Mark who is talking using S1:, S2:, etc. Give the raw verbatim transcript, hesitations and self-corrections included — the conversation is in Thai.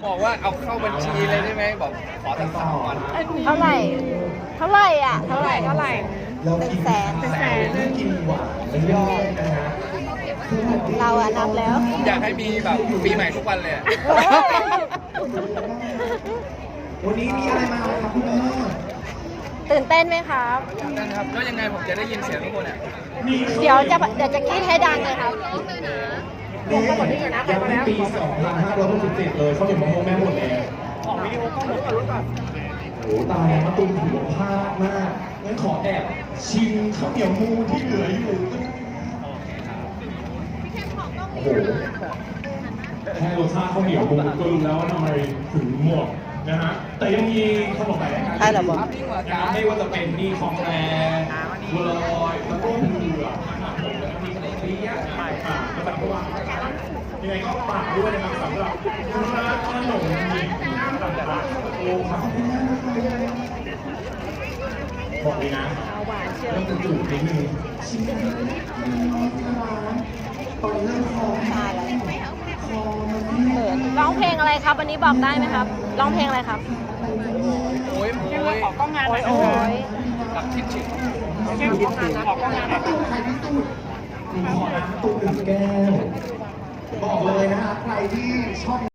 S1: บอกว่าเอาเข้าบัญชีเลยได้ไหมบอกขอตั้งสามวัน
S2: เท่าไหร่ เท่าไหร่อ่ะ เท่าไหร่ เท่าไหร่
S3: เรา
S2: หนึ่
S3: กิ
S2: ง
S3: น
S2: แสน
S3: แสนกินหวานเรื่อยๆนะฮะ
S2: เราอะนับแล้ว
S1: ผมอยากให้มีแบบปีใหม่ทุกวันเลยอะ
S3: วันนี้มีอะไรมาครับคุณแม่
S2: ตื่นเต้นไหมครับ
S1: นั่นครับแล้วยังไงผมจะได้ยินเสียงทุกคนอ่ะ
S2: เดี๋ยวจะเดี๋ยวจะกรีดให้ดังเลยครับ
S3: นี่ยังไม่ปีสองพันห้าร้อยหกสิบเจ็ดเลยเขาเห็นมะม่วงแม่หมดเลย
S1: ของวิดีโอก็หมดรุ่นก่อน
S3: โอ้ตายแล้วมาตุ้มถือว่าพลาดมากงั้นขอแอบชิมข้าวเหนียวมูที่เหลืออยู่โอ้โหแค่รสชาติข้าวเหนียวมูก็รู้แล้วว่าทำไมถึงหมดนะฮะแต่ยังมีขนมหลายรายการ
S2: ใช่เหรอบอก
S3: นะครับไม่ว่าจะเป็นนี่ของแท้บัวลอยแล้วก็เผือกนะครับผมแล้วก็มีขนมเปี๊ยะอ่าแล้วแบบว่ายังไงก็ฝากด้วยนะครับสำหรับร้านขนมหญิงหน้าตลาดโอ้ครับบอกเลยนะเรื่องจุดๆนิดนึงชิมกันตอนเริ่มคอ
S2: ใช่แล้ว
S3: คอมัน
S2: เขินร้องเพลงอะไรครับ วันนี้บอกได้ไหมครับ ร้องเพลงอะไรครับ
S1: โอ้ยโอ้ยขอกล้องงาน
S2: โอ้ยโอ้ย
S1: กับทิชชิ
S3: เข้มขอกล้องงานขอกล้องงานใครที่สุดขอน้ำตุ้มหนึ่งแก้วบอกเลยนะฮะใครที่ชอบ